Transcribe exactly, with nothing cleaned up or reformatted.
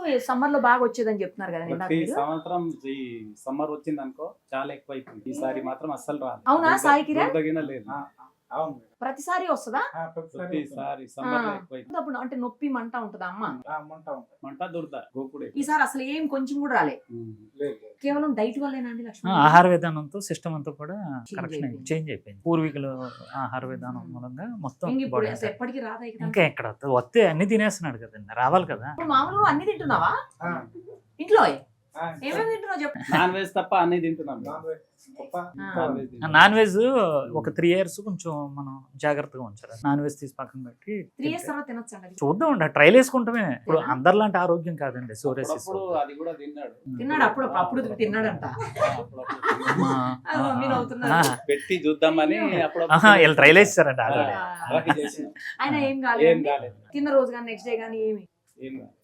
Summer లో బాగా వచ్చేదని చెప్తున్నారు కదా ఇందాక ప్రతి మీరు. సంవత్సరం ఈ సమ్మర్ వచ్చింది అనుకో చాలా ఎక్కువ అయిపోయింది. ఈసారి మాత్రం అస్సలు రాదు. అవునా సాయి కిరణ్? దొరదగిన లేదు. అవును మేడం. ప్రతిసారి వస్తుందా? ఆ, ప్రతిసారి ప్రతిసారి సమ్మర్ లో ఎక్కువ అయిపోయింది. అప్పుడు అంటే నొప్పి మంట ఉంటుందా అమ్మ? ఆ, మంట ఉంటుంది. మంట దురద గోకుడే. ఈసారి అసలు ఏం కొంచెం కూడా రాలే, ఉమ్. లేదు, లేదు. కేవలం డైట్ వల్లేనా అండి ఆ, లక్ష్మణ్? ఆహార విధానంతో సిస్టమ్ అంతా కూడా కరెక్షన్ అయిపోయింది. చేంజ్ అయిపోయింది. పూర్వీకులు ఆహార విధానం ఉమ్. మూలంగా మొత్తం ఇంక ఇప్పుడు body అసలు అంతా. ఎప్పటికీ రాదా ఇక? ఇంకా ఎక్కడ వస్తే అన్ని తినేస్తున్నాడు కదండి, రావాలి కదా. ఇప్పుడు మామూలుగా అన్ని తింటున్నావా ఆ, ఇంట్లో? ఆ, ఏమేమి తింటున్నావు చెప్పు. నాన్ వెజ్ తప్ప అన్ని తింటున్నాం. నాన్ వెజ్ తప్ప ఆ. నాన్ వెజ్ తింటున్నాం. నాన్ వెజ్ ఒక త్రీ ఇయర్స్ కొంచెం మనం జాగ్రత్తగా ఉంచాలి. నాన్ వెజ్ తీసి పక్కన పెట్టి త్రీ ఇయర్స్ తర్వాత తినొచ్చు అండి. చూద్దాం అండి, ట్రైల్ వేసుకుంటామే. ఇప్పుడు అందరిలాంటి ఆరోగ్యం కాదండి సోరేసిస్. అప్పుడప్పుడు అది కూడా తిన్నాడు. తిన్నాడు అప్పుడు అప్పుడు తిన్నాడంట. అప్పుడప్పుడు అది మమ్మీ నవ్వుతున్నారు. పెట్టి చూద్దామని అప్పుడప్పుడు వీళ్ళు ట్రైల్ వేస్తారండి ఆల్రెడీ. అలాగే చేసినాం. ఆయన ఏం ఏం కాలేదు కాలేదు. తిన్న రోజు కానీ నెక్స్ట్ డే కానీ ఏమి ఏం కాలేదు.